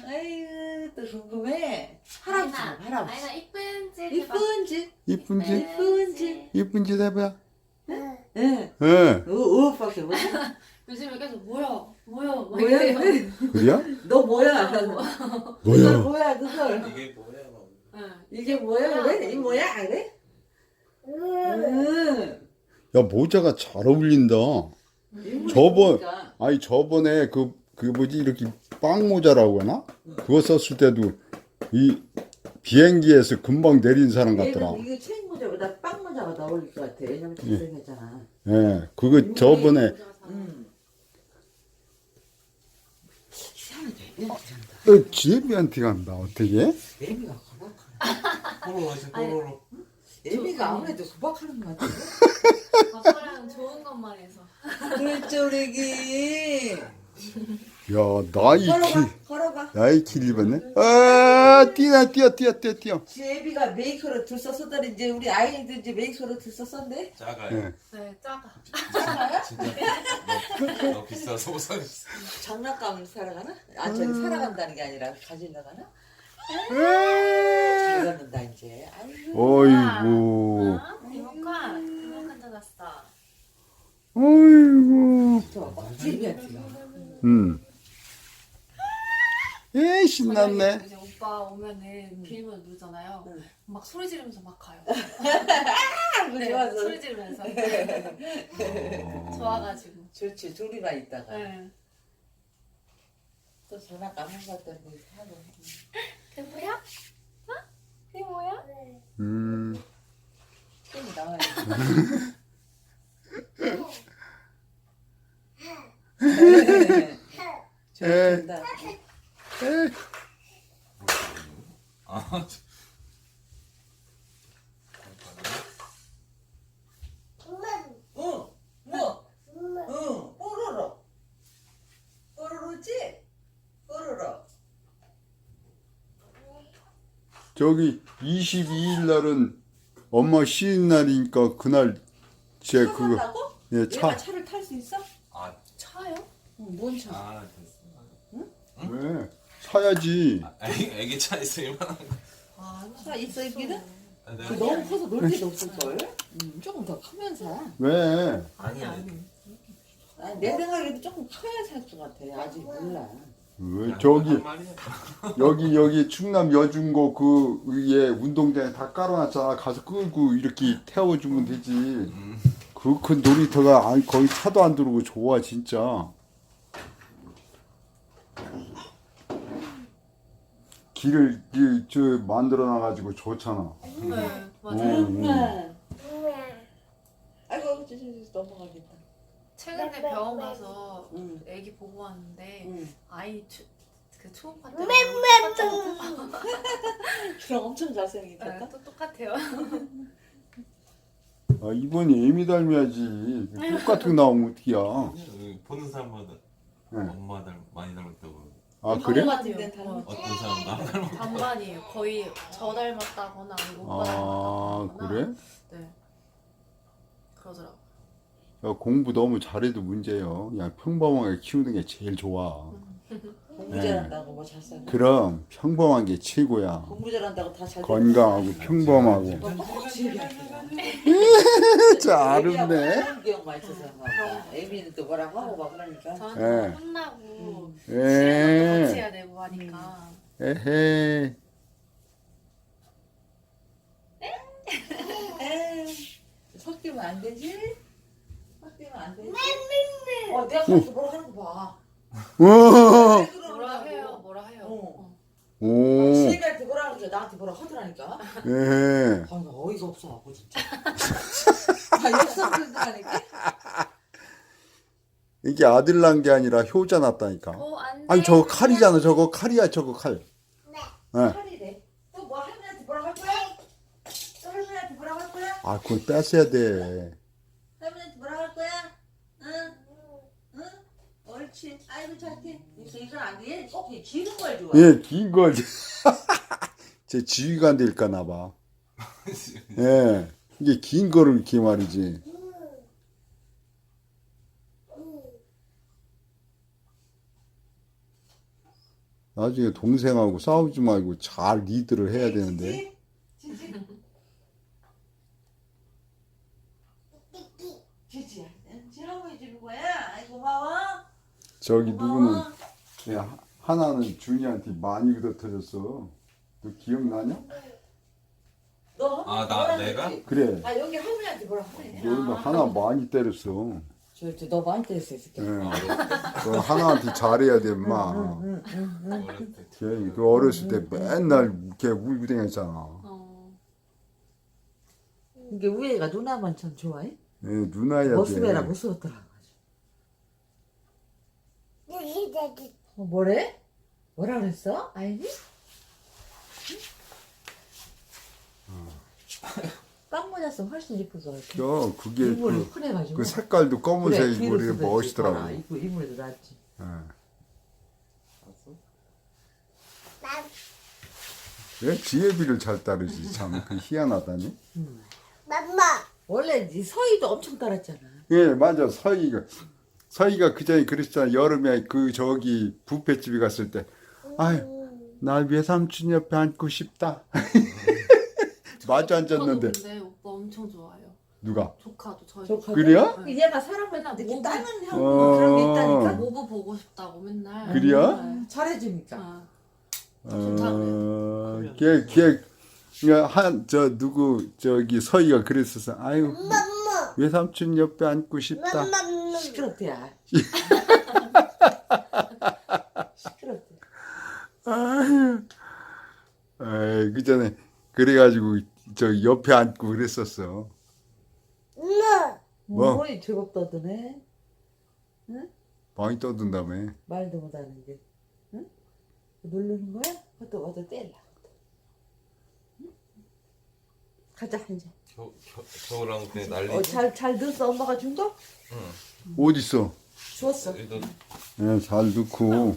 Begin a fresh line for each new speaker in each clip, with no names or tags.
아유 또 궁금해. 할아버지 할아버지.
아이나 이쁜지
이쁜지
이쁜지?
이쁜지.
이쁜지 해봐.
응.
예.
우우밖에 못해.
요즘에 계속 뭐야 막
뭐야?
이래.
그래요?
너 뭐야? 그걸
뭐야?
뭐야 그걸?
이게 뭐야?
응.
이게 뭐야 그래? 이 뭐야 그래? 응.
야, 모자가 잘 어울린다. 아니, 저번에 그 뭐지, 이렇게 빵 모자라고 하나? 그거 썼을 때도 이 비행기에서 금방 내린 사람 같더라.
이거 책 모자보다 빵 모자가 더 어울릴 것 같아. 왜냐면 잘생겼잖아.
예, 그거 저번에,
응. 희한하게 애미한테 간다.
지혜비한테 간다, 어떻게?
애미가 구박하네.
뽀로로.
애미가 아무래도 구박하는 것 같아.
아빠랑 좋은 것만 해서.
꿀조리기.
야, 나이
걸어봐.
나이 길 입었네? 아, 뛰어.
지혜비가 메이커로 들썼었더니 이제 우리 아이들 이제 메이커로 들썼었네.
작아요.
예.
네, 작아.
진짜 너 비싸서 못 사겠어.
장난감 사러 가나? 아 저기 살아간다는 게 아니라 가지러 가나? 잘 걷는다 이제. 아이고.
어이구,
이모칸 찾았어.
어이구,
저 지혜비한테 가.
에 신났네.
이제 오빠 오면은 비밀번호 누르잖아요.
응.
막 소리 지르면서 막 가요.
아,
네,
좋아서.
소리 지르면서. 좋아가지고.
좋지 둘이만 있다가
네.
또 장난감 한 것도 뭐 사고.
그게 뭐야? 어? 그게 뭐야?
땡이 나와야 돼. 좋다.
아,
응, 뭐? 응, 뽀로로. 뽀로로지? 뽀로로.
저기 22일 날은 엄마 쉬는 날이니까 그날 제
차
그거
산다고?
예,
얘가
차.
차를 탈 수 있어?
아,
차요?
응, 뭔 차?
아 됐어.
왜? 사야지.
애기 차 있어 이만한 거.
아,
차 있어 있기는?
아,
그 너무 커서 놀 데도 없을걸? 조금 더 크면 사.
왜?
아니.
아니, 내 생각에도 조금 커야 살 것 같아. 아직 몰라.
왜 저기
한 말이야.
여기 충남 여중고 그 위에 운동장에 다 깔아놨잖아. 가서 끌고 이렇게 태워주면 되지. 그 큰 놀이터가 거기 차도 안 들어오고 좋아 진짜. 길을 저 만들어 놔가지고 좋잖아.
네, 맞아요.
아이고, 저 넘어가겠다.
최근에 병원 가서
응.
애기 보고 왔는데
응.
아이 그 초음파 때문에
그럼 엄청 잘생겼다.
또 똑같아요.
아, 이번이 애미 닮아야지. 똑같은 거 나오면 어떡이야.
여기 보는 사람마다
네.
엄마 많이 닮았다고.
아 그래?
같은 데는 닮았지?
어떤 사람 나 닮았다고.
반반이에요. 거의 저 닮았다거나 아니면 오빠
아
닮았다거나.
그래?
네. 그러더라고.
야, 공부 너무 잘해도 문제예요. 그냥 평범하게 키우는 게 제일 좋아.
공부 잘한다고 뭐 잘 살고.
그럼 평범한 게 최고야.
공부 잘한다고 다 잘.
건강하고 평범하고. 잘했네.
그런 기억만 있어서 막 애미는 또 뭐라고 하고 막 그러니까.
저한테
예.
혼나고 시간도 같이
에,
해야 되고 하니까.
에헤.
섞이면 안 되지? 섞이면 안 되지? 내가 가서 뭐라 하는 거 봐.
오,
뭐라 해요.
어.
오,
지혜비한테 뭐라 그러죠? 나한테 뭐라 하더라니까.
에헤.
아, 나 어이가 없어갖고 진짜. 아, 역삼들도 하니까.
이게 아들 난 게 아니라 효자 났다니까.
안 돼.
아니 저거 칼이잖아. 저거 칼이야. 저거 칼. 네.
칼이래. 또 뭐 할머니한테 뭐라 할 거야? 또 할머니한테 뭐라 할 거야?
아, 그건 뺐어야 돼.
할머니한테 뭐라 할 거야? 응? 응? 옳지. 아이고 착해. 이거 안 돼. 꼭 기는 걸 좋아.
예, 긴 걸. 제 지휘가 안 될까나 봐. 예. 이게 긴 거를 이렇게 말이지. 나중에 동생하고 싸우지 말고 잘 리드를 해야 되는데.
지지. 지지. 지라고 해주는 거야. 아이 고마워.
저기 누구는
고마워.
야, 하나는 준이한테 많이 그렇다졌어. 너 기억나냐?
너
아,
뭐라
내가?
그랬지?
그래.
아 여기 할머니한테 뭐라 그래?
너는 하나 많이 때렸어.
너 많이 때렸어 이 새끼.
예. 너 하나한테 잘해야 돼, 임마.
어렸을 때.
걔그 어렸을 때 맨날 걔 울고 다녔잖아.
어.
이게 우애가 누나만 참 좋아해?
예, 누나야 돼.
모습에라 무서웠더라. 뭐래? 뭐라 그랬어? 아이니? 깜모자서 훨씬 이쁘고
저 그게
이불이
그,
흔해가지고
그 색깔도 검은색이고
뒤로
그래
쓰도
멋있더라고.
있잖아. 이불에도 낫지.
예. 왜 지혜비를 잘 따르지? 참 그 희한하다니.
원래 이 서희도 엄청 따랐잖아.
예, 맞아. 서희가 그 전에 그랬잖아. 여름에 그 저기 뷔페집에 갔을 때, 아유, 나 외삼촌 옆에 앉고 싶다. 마주 앉았는데
근데 오빠 엄청 좋아요.
누가?
조카도 저희
조카도?
그래요?
얘가 사람을
맨날
이렇게
모브-
따는 형
어.
그런 게 있다니까.
모브 보고 싶다고 맨날.
그래요?
네.
잘해주니까.
아,
저 누구 저기 서희가 그랬었어. 아유, 외삼촌 옆에 앉고 싶다.
시끄럽대야. 시끄럽대.
아유, 그 전에 그래가지고 저 옆에 앉고 그랬었어. 뭐?
뭐? 제법 떠드네.
많이 떠든다며.
말도 못하는 게. 응? 누르는 거야? 그것도 와서 떼려. 응? 가자 이제.
겨울랑 그냥 난리.
잘 넣었어 엄마가 준 거?
어딨어?
주웠어.
너
예, 잘 넣고.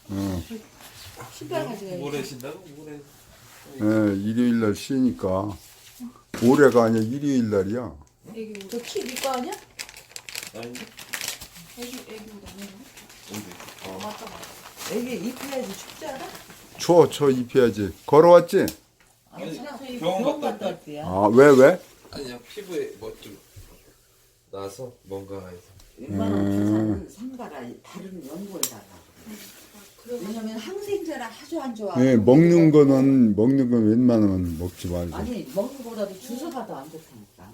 신발 가져가야지.
모레 신다고? 모레.
예, 일요일 날 쉬니까. 올해가 아니야, 일요일 날이야.
애기 옷.
저키 니거 아니야?
아니,
애기 옷 아니에요?
어디?
어, 맞다 맞다.
애기 입혀야지 춥지 않아?
저 입혀야지. 걸어왔지?
아니,
그냥
병원
병원
갔다
갔다 왔대요.
아, 왜?
아니야, 피부에 뭐 좀 나서 뭔가 해서.
웬만하면 상가라 다른 연고에다가. 왜냐면 항생제라 아주 안 좋아.
예, 먹는 건 웬만하면 먹지 말고.
아니 먹는 거보다도 주사가 더 안 좋다니까.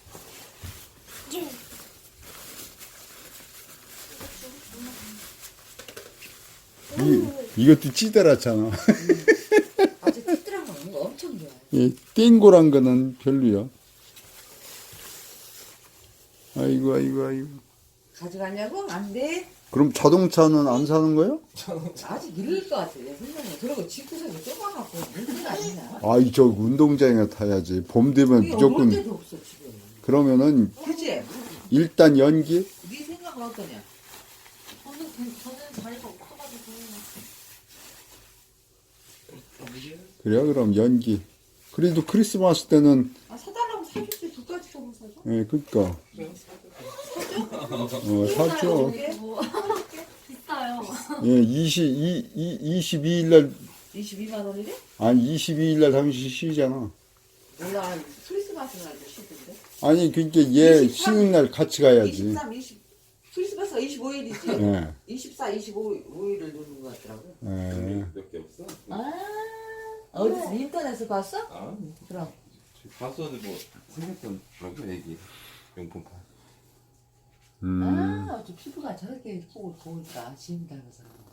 이것도 찌들었잖아.
아주 특별한 거 엄청 좋아해.
이 땡고란 거는 별로야. 아이고.
가져가냐고? 안 돼.
그럼 자동차는 안 사는 거예요?
아직 이를 것 같아. 내 생각에. 그리고 집구석에 좁아갖고 문제가 아니냐.
아이, 저 운동장에 타야지. 봄 되면
우리 올
무조건.
데도 없어 지금.
그러면은
그치?
일단 연기?
네 생각은 어떠냐?
저는 자리가 없어가지고.
그래요? 그럼 연기. 그래도 크리스마스 때는,
아 사달라고 사줄지 두 가지 정도 사줘.
예, 그니까. 사줘.
이게
뭐 비싸요.
예, 22일 날,
22만 원이래?
아니, 22일 날 당신 쉬잖아.
몰라. 크리스마스 날도 쉬던데.
아니, 그니까 얘
23,
쉬는 날 같이 가야지.
23, 20. 크리스마스가 25일이지.
예,
24, 25일을 누는 것 같더라고.
예.
몇 개 없어?
아 어디서 인터넷에서 봤어?
아,
그럼.
봤었는데 뭐 생겼더라고 애기 용품 파.
아 어째 피부가 저렇게 예쁘고 고울까 지금 닮아서.